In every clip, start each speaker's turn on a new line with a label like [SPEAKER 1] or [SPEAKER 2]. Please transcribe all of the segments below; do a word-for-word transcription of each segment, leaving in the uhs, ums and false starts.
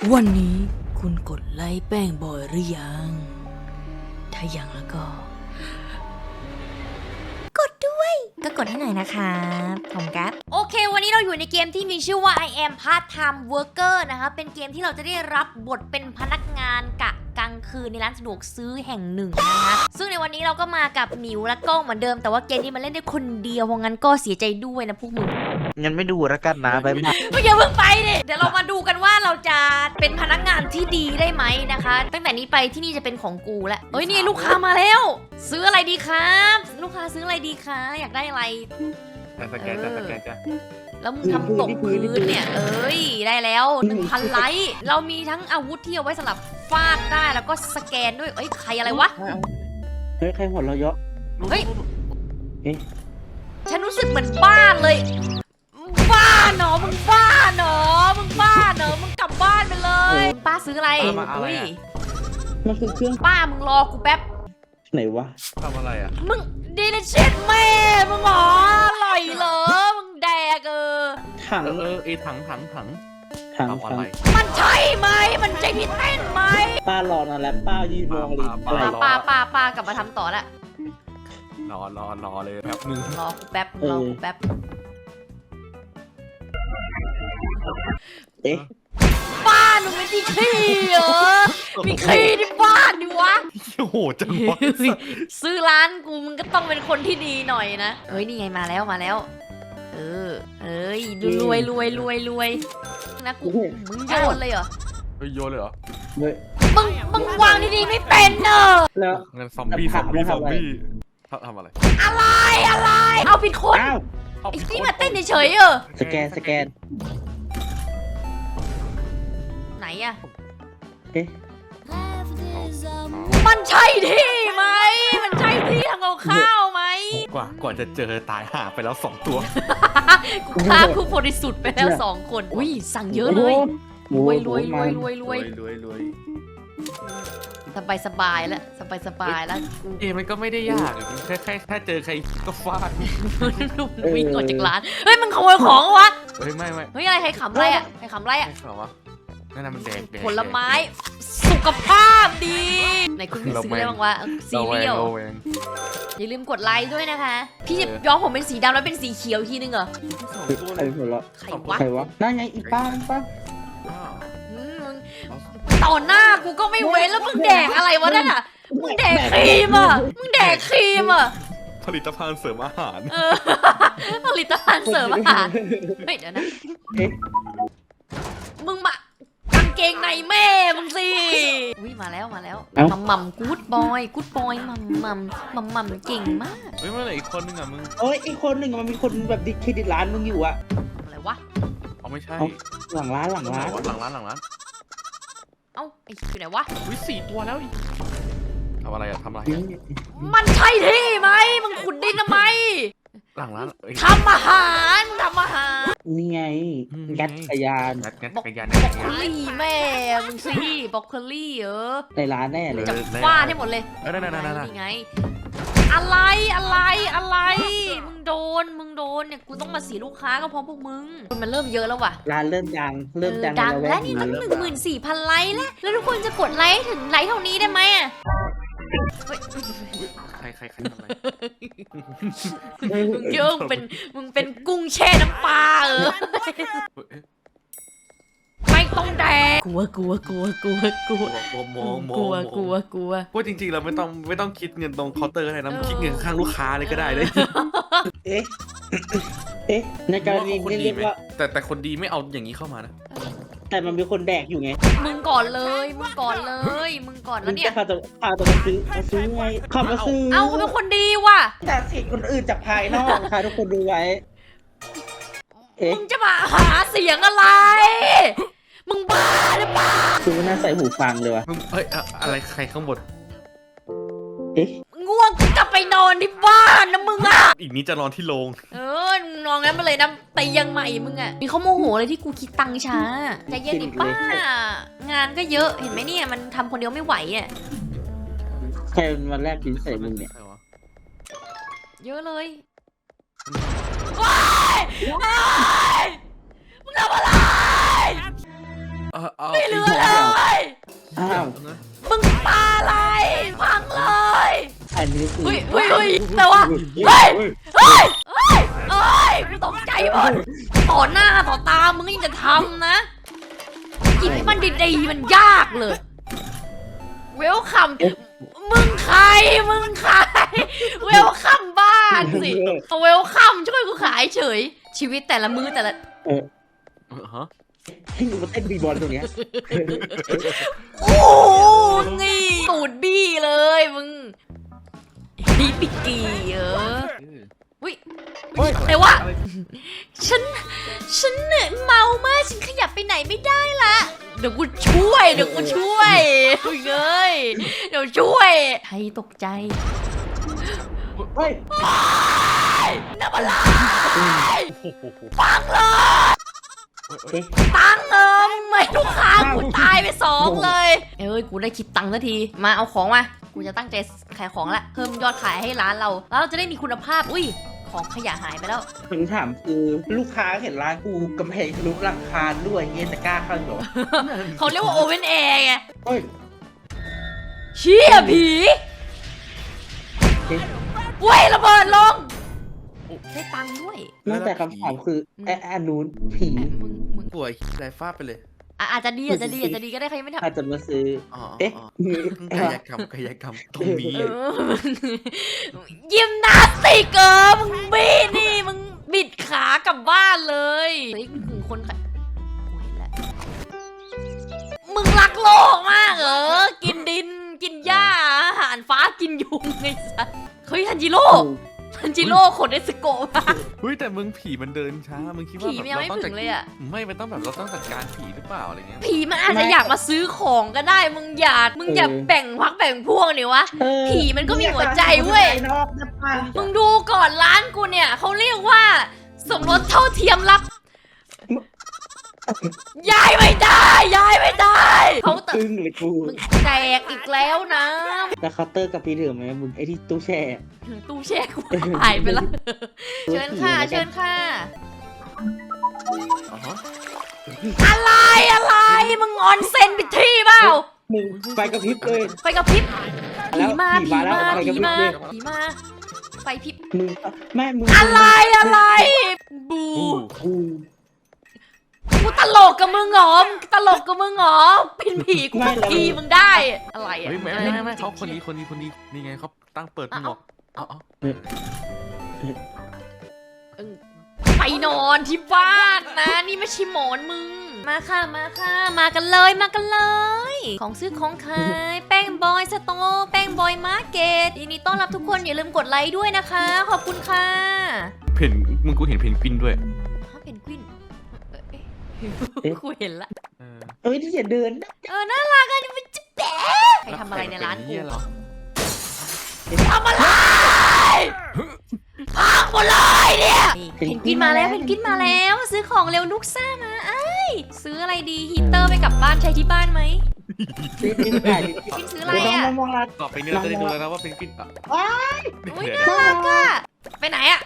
[SPEAKER 1] วันนี้คุณกดไลค์แป้งบอยหรือยังถ้ายังแล้วก็กดด้วยก็กดให้หน่อยนะคะผมกัสโอเควันนี้เราอยู่ในเกมที่มีชื่อว่า I am part time worker นะคะเป็นเกมที่เราจะได้รับบทเป็นพนักงานกะกลางคืนในร้านสะดวกซื้อแห่งหนึ่งนะคะซึ่งในวันนี้เราก็มากับหมิวและก้องเหมือนเดิมแต่ว่าเกมนี้มันเล่นได้คนเดียวเพราะงั้นก็เสียใจด้วยนะพวกมึง
[SPEAKER 2] งั้นไม่ดูแล้วกันนะไปมา
[SPEAKER 1] ก็อย่าเพิ่งไปดิเดี๋ยวเรามาดูกันว่าเราจะเป็นพนักงานที่ดีได้ไหมนะคะ ตั้งแต่นี้ไปที่นี่จะเป็นของกูแล้วเฮ้ยนี่ลูกค้ามาแล้ว ซื้ออะไรดีครับ ลูกค้าซื้ออะไรดีคะอยากได้อะไร
[SPEAKER 3] สแกนจ้ะสแกนจ้ะ
[SPEAKER 1] แล้วมึงทำตกพื้นเนี่ยเอ้ยได้แล้วหนึ่งพันไลค์เรามีทั้งอาวุธที่เอาไว้สำหรับฟาดได้แล้วก็สแกนด้วยเอ้ยใครอะไรวะ
[SPEAKER 2] เฮ้ยใครหัวเราะเยอะ
[SPEAKER 1] เฮ้ย
[SPEAKER 2] เอ๊ะ
[SPEAKER 1] ฉันรู้สึกเหมือนบ้านเลยบ้าเนาะมึงบ้าเนาะมึงบ้าเนาะมึงกลับบ้านไปเลยป้าซื้ออะไรอุ้ย
[SPEAKER 2] มันคือเครื่อง
[SPEAKER 1] ป้ามึงรอกูแป๊บ
[SPEAKER 2] ไหนวะ
[SPEAKER 3] ทำอะไรอ่ะ
[SPEAKER 1] มึงดีเลยเช็ดแม่มึงเหรออร่อยเหรอมึงแดกเออ
[SPEAKER 2] ถัง
[SPEAKER 3] เออเออไอถังถังถัง
[SPEAKER 2] ถัง
[SPEAKER 3] ทำอะ
[SPEAKER 2] ถัง
[SPEAKER 3] ไร
[SPEAKER 1] มันใช่ไหมมันใช่พี่เต้นไหม
[SPEAKER 2] ป้ารอนานแล้วป้ายืนมองเลย
[SPEAKER 3] ป้า
[SPEAKER 2] อะไร
[SPEAKER 1] ป้าป้าป้าป้ากลับมาทำต่อละ
[SPEAKER 3] รอรอรอเลยแป๊บนึง
[SPEAKER 1] รอกูแป๊บรอกูแป๊บ
[SPEAKER 2] เอ๊ะ
[SPEAKER 1] บ้านมึงไม่มีขี้เหรอมีขี้ที่บ้านดิวะ
[SPEAKER 3] โอ้โหจังวะ
[SPEAKER 1] ซื้อร้านกูมึงก็ต้องเป็นคนที่ดีหน่อยนะเฮ้ยนี่ไงมาแล้วมาแล้ว เออเอ้ยรวยรวยรวยรวยนะกูมึงโยนเลยเหรอ
[SPEAKER 3] เฮ้ยโยนเลยเหรอ
[SPEAKER 2] เฮ้ย
[SPEAKER 1] มึงมึงวางดีๆไม่เป็นเนอะ
[SPEAKER 2] แล้ว
[SPEAKER 3] งั้นซอมบี้ซอมบี้ซอมบี้ทำอะไร
[SPEAKER 1] อะไรอะไร เอาผิดคน
[SPEAKER 2] อ้าว
[SPEAKER 3] เอา
[SPEAKER 1] ไอ้
[SPEAKER 3] ผิด
[SPEAKER 1] ที่
[SPEAKER 3] ค
[SPEAKER 1] มาเต้นเฉยๆเออ
[SPEAKER 2] สแกนสแกน
[SPEAKER 1] ไหนอะ
[SPEAKER 2] เอ๊ะ
[SPEAKER 1] มันใช่ที่ไหมมันใช่ที่ทำกับข้าวไหม
[SPEAKER 3] กว่ากว่าจะเจอตายห่าไปแล้วสองตัว
[SPEAKER 1] กูฆ่าผู้บริสุทธิ์ไปแล้วสองคนอุ้ยสั่งเยอะเลย
[SPEAKER 2] โอ้
[SPEAKER 1] ร
[SPEAKER 2] โห
[SPEAKER 1] วยรวยรวยร
[SPEAKER 2] โ
[SPEAKER 1] วยรวย
[SPEAKER 3] รวยรวย
[SPEAKER 1] สบายสบายแล้วสบายสบายแล้ว
[SPEAKER 3] เกมมันก็ไม่ได้ยากแค่แค่ถ้าเจอใครก็ฟาด
[SPEAKER 1] วิ่งออกจากร้านเฮ้ยมึงขโมยของวะ
[SPEAKER 3] เฮ้ยไม่ไม่
[SPEAKER 1] เฮ้ยอะไรใครขำอะไรอะใครขำอะไรอะ
[SPEAKER 3] ไม่ขอวะนั่นน่ะมันแดกแดก
[SPEAKER 1] ผลไม้สุขภาพดีไหนคุณมีซื้ออะไรบ้างวะซีเรียล
[SPEAKER 3] ระแวง
[SPEAKER 1] อย่าลืมกดไลค์ด้วยนะคะ พี่จะย้อมผมเป็นสีดำแล้วเป็นสีเขียวอีกทีนึงเหรอ
[SPEAKER 3] สอง
[SPEAKER 2] เฮ้ย
[SPEAKER 3] ตัว
[SPEAKER 2] ใค
[SPEAKER 3] เล
[SPEAKER 2] ร
[SPEAKER 3] ย
[SPEAKER 2] หัวเราะ
[SPEAKER 1] ใครวะ
[SPEAKER 2] ใครวะนั่นไงอีป้าป้า
[SPEAKER 3] อ้าว
[SPEAKER 1] อืมมึงต่อหน้ากูก็ไม่เว้นแล้วมึงแดกอะไรวะนั่นอ่ะมึงแดกครีมอ่ะมึงแดกครีมอ่ะ
[SPEAKER 3] ผลิตภัณฑ์เสริมอาหาร
[SPEAKER 1] เออผลิตภัณฑ์เสริมอาหารเฮ้ยเดี๋ยวนะ
[SPEAKER 2] เอ๊ะ
[SPEAKER 1] มึงมากางเกงในแม่มึงสิอุ้ยมาแล้วมาแล้วมัมมัมกู๊ดบอยกู๊ดบอยมัมมัมมัมมัมเก่งมาก
[SPEAKER 3] เฮ้ยเมื่อไหร่อีกคนนึงอ่ะมึง
[SPEAKER 2] เอ้ยอีกคนหนึ่งมันมีคนแบบดิเครดิตร้านมึงอยู่อะ
[SPEAKER 1] อะไรวะ
[SPEAKER 3] เอาไม่ใช่
[SPEAKER 2] หลังร้านหลังร้าน
[SPEAKER 3] หลังร้านหลังร้าน
[SPEAKER 1] เอ้าไอ้อยู่ไหนวะ
[SPEAKER 3] อุ้ยสี่ตัวแล้วอีกทำอะไรอะทำอะไรอะ
[SPEAKER 1] มันใช่ที่ไหมมึงขุดดินทำไม
[SPEAKER 3] หลังร้านเอ้ย
[SPEAKER 1] ทำอาหารมึงทำอาหาร
[SPEAKER 2] นี่ไง
[SPEAKER 3] อืม
[SPEAKER 2] งัดจักรยาน
[SPEAKER 3] งัดงัด
[SPEAKER 1] บ
[SPEAKER 3] จั
[SPEAKER 1] อก
[SPEAKER 3] กรยาน
[SPEAKER 1] บ
[SPEAKER 3] จั
[SPEAKER 1] อก
[SPEAKER 3] กร
[SPEAKER 1] โค
[SPEAKER 3] ยาน
[SPEAKER 1] ลี่แม่มึงสิบอกโคลี่เออ
[SPEAKER 2] ในร้านแน่เลย
[SPEAKER 1] จะ
[SPEAKER 3] เออ
[SPEAKER 1] ฟาดให้หมดเลย
[SPEAKER 3] เออนั่นนั่นนั่นนั่น
[SPEAKER 1] นี่ไง อะไรอะไรอะไร มึงโดนมึงโดนเนี่ยกูต้องมาเสียลูกค้าก็เพราะพวกมึงมันเริ่มเยอะแล้วว่ะ
[SPEAKER 2] ร้านเริ่มดังเริ่ม
[SPEAKER 1] เออ
[SPEAKER 2] ดัง
[SPEAKER 1] ดัง
[SPEAKER 2] ใน
[SPEAKER 1] แล้ว
[SPEAKER 2] ก
[SPEAKER 1] นี่ตั้งห
[SPEAKER 2] เริ่
[SPEAKER 1] นึ่
[SPEAKER 2] ม
[SPEAKER 1] งหมื่นสี่พันไลค์แล้วแล้วทุกคนจะกดไลค์ถึงไลค์เท่านี้ได้ไหมอะเฮ้ย
[SPEAKER 3] ใครใครใครทำอะไร
[SPEAKER 1] มึงเยอะมึงเป็นมึงเป็นกุ้งแช่น้ำปลาเออ ไม่ต้องแดกกลัวกลัวกลัวกลัวกลัว
[SPEAKER 3] กลัวมองมอง
[SPEAKER 1] กลัวกลัวกลัว
[SPEAKER 3] ว่าจริงๆเราไม่ต้องไม่ต้องคิดเงินตรงเคาน์เตอร์ก็ได้นะคิดเงินข้างลูกค้าเลยก็ได้เลย
[SPEAKER 2] เอ๊ะ เอ๊ะ ในกรณี
[SPEAKER 3] คน
[SPEAKER 2] นี้
[SPEAKER 3] ดี
[SPEAKER 2] เรียก
[SPEAKER 3] ไหม
[SPEAKER 2] ว่า
[SPEAKER 3] แต่แต่คนดีไม่เอาอย่างนี้เข้ามานะ
[SPEAKER 2] แต่มันมีคนแดกอยู่ไง
[SPEAKER 1] มึงก่อนเลยมึงก่อนเลยมึงก่อนแล้วเนี่ย
[SPEAKER 2] จะพาตัวพาตัวมาซื้อมาซื้อไงเขับมาซื้อ
[SPEAKER 1] เอาเขาเป็นคนดีว่ะ
[SPEAKER 2] แต่สิทธิ์คนอื่นจากภายนอกค่ะทุกคนดูไว้ เอ๊ะ
[SPEAKER 1] มึงจะมาหาเสียงอะไร มึงบ้าหรือเปล่า
[SPEAKER 2] คือไม่น่าใส่หูฟังเลยวะ
[SPEAKER 3] มึงเฮ้ยอะอะไรใครข้างบน
[SPEAKER 2] เอ๊ะ
[SPEAKER 1] ง่วงก็กลับไปนอนที่บ้านนะมึงอ่ะ
[SPEAKER 3] อีกนี้จะนอนที่โรง
[SPEAKER 1] เออนอนงั้นมาเลยนะเตียงใหม่มึงอ่ะมีเขาโมโหเลยที่กูคิดตังค์ช้าใจเย็นดิป้างานก็เยอะเห็นไหมเนี่ยมันทำคนเดียวไม่ไหวอ่ะ
[SPEAKER 2] ใครเป็นวันแรกกินใส่มึงเนี่ย
[SPEAKER 3] ใครวะ
[SPEAKER 1] เยอะเลยว้ายว้ายมึงทำอะไร
[SPEAKER 3] เออเอา
[SPEAKER 1] ไม่เหลือเลย
[SPEAKER 2] อ้าว
[SPEAKER 1] มึงปาอะไรพังเลย
[SPEAKER 2] อันนี้คือ
[SPEAKER 1] เฮ้ยเฮ้ยเฮ้ยแต่ว่าเฮ้ยเฮ้ยเฮ้ยเฮ้ยกูตกใจหมดต่อหน้าต่อตามึงยังจะทำนะกินให้มันดีๆมันยากเลยเวลคัมมึงใครมึงใครเวลคัมบ้านสิเวลคัมช่วยกูขายเฉยชีวิตแต่ละมือแต่ละ
[SPEAKER 2] เออ
[SPEAKER 3] เออฮะ
[SPEAKER 2] ให้มึงมาเต้นบีบอลตรงเนี้ย
[SPEAKER 1] โอ้งี้ตูดบี้เลยมึงนี่ปิกกี้เอออุ้ย
[SPEAKER 2] เฮ้ย
[SPEAKER 1] แต่ว่าฉันฉันเนี่ยเมามากฉันขยับไปไหนไม่ได้ละเดี๋ยวกูช่วยเดี๋ยวกูช่วยเฮ้ยเดี๋ยวช่วยให้ตกใจ
[SPEAKER 2] เฮ้ย
[SPEAKER 1] น้ำอะไร
[SPEAKER 3] โอ้โห
[SPEAKER 1] ปังเลย
[SPEAKER 2] เฮ้ย
[SPEAKER 1] ตังเออไม่ลูกค้ากูตายไปสองเลยเอ้ยกูได้คิดตังค์สักทีมาเอาของมากูจะตั้งใจขายของละเพิ่มยอดขายให้ร้านเราแล้วเราจะได้มีคุณภาพอุ้ยของขยะหายไปแล้ว
[SPEAKER 2] คำถามคือลูกค้าเห็นร้านกูกำแพงทะลุหลังคาด้วยเงี้ยจะกล้าเข้าเหรอ
[SPEAKER 1] เขาเรียกว่าโอเวนแอร์ไง
[SPEAKER 2] เฮ้ย
[SPEAKER 1] เชี่ยผีเว้ยระเบิดลงได้ตังค์ด้วย
[SPEAKER 2] นอกจากคำถามคือไอ้อันนู้นผี
[SPEAKER 1] มึงมึง
[SPEAKER 3] ป่วยไรฟาดไปเลย
[SPEAKER 1] อ่ะอาจจะดีอาจจะดีอาจจะดีก็ได้ใครไม่ทำ
[SPEAKER 2] อาจจะมาซื้อ
[SPEAKER 3] อ๋อ
[SPEAKER 2] เอ๊ะ
[SPEAKER 3] กายกรรมกายกรรมตรงนี้
[SPEAKER 1] เออยิมนาสติกเออมึงบีนี่มึงบิดขากลับบ้านเลยเฮ้ยมึงคนขายกูเห็นแล้วมึงรักโลกมากเหรอกินดินกินหญ้าอาหารฟ้ากินยุงไงสัสเฮ้ยฮันจิโร่ฮันจิโร่ขนเอสโกะมา
[SPEAKER 3] เฮ้ยแต่มึงผีมันเดินช้ามึงคิดว่า
[SPEAKER 1] ผีมันยังไม่ถึงเลยอะ
[SPEAKER 3] ไม่มันต้องแบบเราต้องจัดการผีหรือเปล่าอะไรเงี้ย
[SPEAKER 1] ผีมันอาจจะอยากมาซื้อของก็ได้มึงอย่ามึงอย่าแบ่งพักแบ่งพวกเนี่ยวะ
[SPEAKER 2] เออ
[SPEAKER 1] ผีมันก็มีหัวใจเว้ย
[SPEAKER 2] นอกนะป้า
[SPEAKER 1] มึงดูก่อนร้านกูเนี่ยเขาเรียกว่าสมรสเท่าเทียมรับย้ายไม่ได้ย้ายไม่ได้เขาเต
[SPEAKER 2] อึ้งเลยกู
[SPEAKER 1] มึงแตกอีกแล้วนะ
[SPEAKER 2] แล้วเคาน์เตอร์กับพี่ถือไหมมึงไอ้ที่ตู้แช่
[SPEAKER 1] ตู้แช่กูหายไปแล้วเชิญค่ะเชิญค่ะ
[SPEAKER 3] อ๋อฮะ
[SPEAKER 1] อะไรอะไรมึงออนเซนปิดที่เปล่า
[SPEAKER 2] มึงไฟกระพริบเลย
[SPEAKER 1] ไฟกระพริบผีมา
[SPEAKER 2] ผี
[SPEAKER 1] ผี
[SPEAKER 2] มาแล้ว
[SPEAKER 1] มา
[SPEAKER 2] ไฟก
[SPEAKER 1] ผี
[SPEAKER 2] ระพริบ
[SPEAKER 1] มา
[SPEAKER 2] เลย
[SPEAKER 1] ผีมาไฟพริบ
[SPEAKER 2] มึงแม่มึง
[SPEAKER 1] อะไรอะไรบู
[SPEAKER 3] อู้
[SPEAKER 2] กู
[SPEAKER 1] กูตลกกับมึงเหรอมึงตลกกับมึงเหรอเป็นผีกูสักทีมึงได้อะไรอ่ะ
[SPEAKER 3] เฮ้ยไม่ไม่ไม่ไม่เขาคนนี้คนนี้คนนี้นี่ไงเขาตั้งเปิดหมวกอ๋อ
[SPEAKER 1] ไปนอนที่บ้านนะนี่ไม่ใช่หมอนมึงมาค่ะมาค่ะมากันเลยมากันเลย ของซื้อของขายแป้งบอยสโตร์แป้งบอยมาร์เก็ตยินดีต้อนรับทุกคนอย่าลืมกดไลค์ด้วยนะคะขอบคุณค่ะ
[SPEAKER 3] เพนมึงกูเห็นเพนกวินด้วย
[SPEAKER 1] ฮะเพนกวินเอ๊ะกูเห็นละ
[SPEAKER 3] เออ
[SPEAKER 2] เอ้ยที่จะเดิน
[SPEAKER 1] เออน่ารักอ่ะมันจะแปะใครทำอะไรในร้านกู
[SPEAKER 3] เยเหรอ
[SPEAKER 1] ทำอะไรพังหมดเลยเนี่ยเพนกวินมาแล้วเพนกวินมาแล้ว ซื้อของเร็วลูกซ่ามาไอ้ยซื้ออะไรดีฮีเตอร์ไปกลับบ้านใช้ที่บ้านไหม
[SPEAKER 2] นี่นี่ถ่ายดิ
[SPEAKER 1] เพนกวินซื้ออะไร
[SPEAKER 2] น้อง
[SPEAKER 1] อ่ะ
[SPEAKER 2] มองรัด
[SPEAKER 3] ต่อไปนี้เราจะได้ดูแล้วนะว่าเพนกวินอ่ะ
[SPEAKER 2] ว้าย
[SPEAKER 1] อุ้ย
[SPEAKER 3] เดี๋ยว
[SPEAKER 1] น่ารักอ่ะไปไหนอ่ะ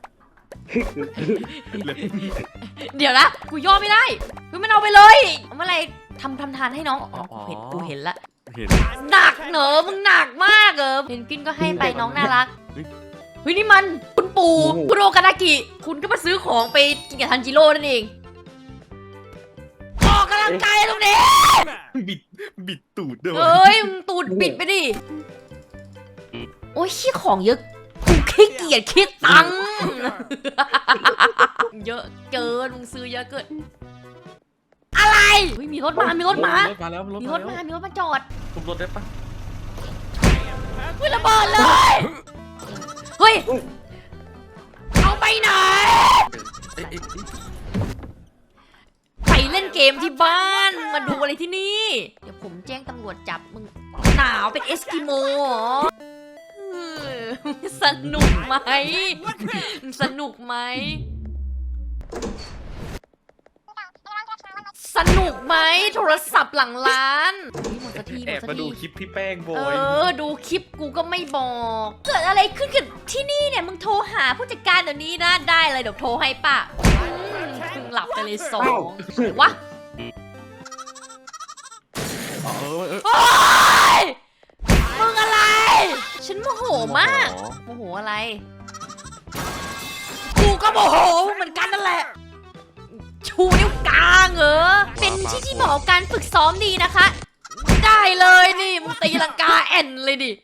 [SPEAKER 1] เดี๋ยวนะกูย่อไม่ได้กูมันเอาไปเลยเอามาอะไรทำทำทานให้น้องอ๋อกูเห็นกูเห็นละ
[SPEAKER 3] เห็น
[SPEAKER 1] หนักเหนอมึงหนักมากเออเพนกวินก็ให้ไปน้องน่ารัก
[SPEAKER 3] เฮ้ย
[SPEAKER 1] เฮ้ยนี่มันคุณปู่คุณโอกานากิ คุณก็มาซื้อของไปกินกับทันจิโร่นั่นเองออกกำลังกายตรงนี้
[SPEAKER 3] บิดบิดตูดด้วย
[SPEAKER 1] เอ้ยมึงตูดปิดไปดิโอ้ยขี้ของเยอะกูขี้เกียจคิดตังค์ เยอะเกินมึงซื้อเยอะเกินอะไรเฮ้ยมีรถมามีรถมาร
[SPEAKER 3] ถมาแล้วรถ
[SPEAKER 1] มี
[SPEAKER 3] มาร
[SPEAKER 1] ถ
[SPEAKER 3] แล้ว
[SPEAKER 1] มามีรถมาจอด
[SPEAKER 3] ทุบรถได้ปะ
[SPEAKER 1] เฮ้ยระเบิดเลยเฮ้ยเอาไปไหน
[SPEAKER 3] เอ๊ะเอ๊ะเอ๊ะ
[SPEAKER 1] ไปเล่นเกมที่บ้านมาดูอะไรที่นี่ เดี๋ยวผมแจ้งตำรวจจับมึงหนาวเป็นเอสกิโมเหรอเออสนุกไหมสนุกไหมสนุกไหมโทรศัพท์หลังร้านหมดสักทีหม
[SPEAKER 3] แอ
[SPEAKER 1] ด
[SPEAKER 3] บ
[SPEAKER 1] สัก
[SPEAKER 3] มาดู
[SPEAKER 1] ที
[SPEAKER 3] คลิปพี่แป้งโบ
[SPEAKER 1] เอย อ ดูคลิปกูก็ไม่บอก เกิดอะไรขึ้นกับที่นี่เนี่ย มึงโทรหาผู้จัดการเดี๋ยวนี้นะ ได้เลยเดี๋ยวโทรให้ป่ะอืมมึงหลับไปเลยสองวะ
[SPEAKER 3] เออเออ
[SPEAKER 1] โอ๊ยมึงอะไร ฉันโมโหมากโมโหอะไรกูก็โมโหเหมือนกันนั่นแหละชูนิ้วกลางเหรอเป็นที่ที่เหมาะกับการฝึกซ้อมดีนะคะ ได้เลยนี่มึงตีลังกาแอนเลยดิ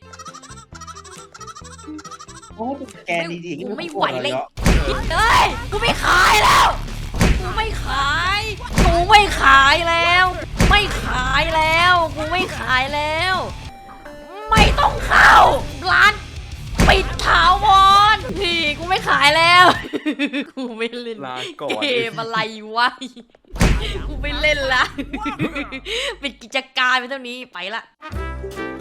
[SPEAKER 2] โอ้แกดีๆ
[SPEAKER 1] กูไม่ไหวเลยเฮ้ยกูไม่ขายแล้วกูไม่ขายกูไม่ขายแล้ว ไม่ขายแล้วกูไม่ขายแล้ว ไม่ต้องเข้าร้านปิดถาวรพี่กูไม่ขายแล้ว กูไม่เล่น
[SPEAKER 3] ลาก่อน
[SPEAKER 1] เกมอะไรวะกูไม่เล่นละ ปิดกิจการไปเท่านี้ไปละ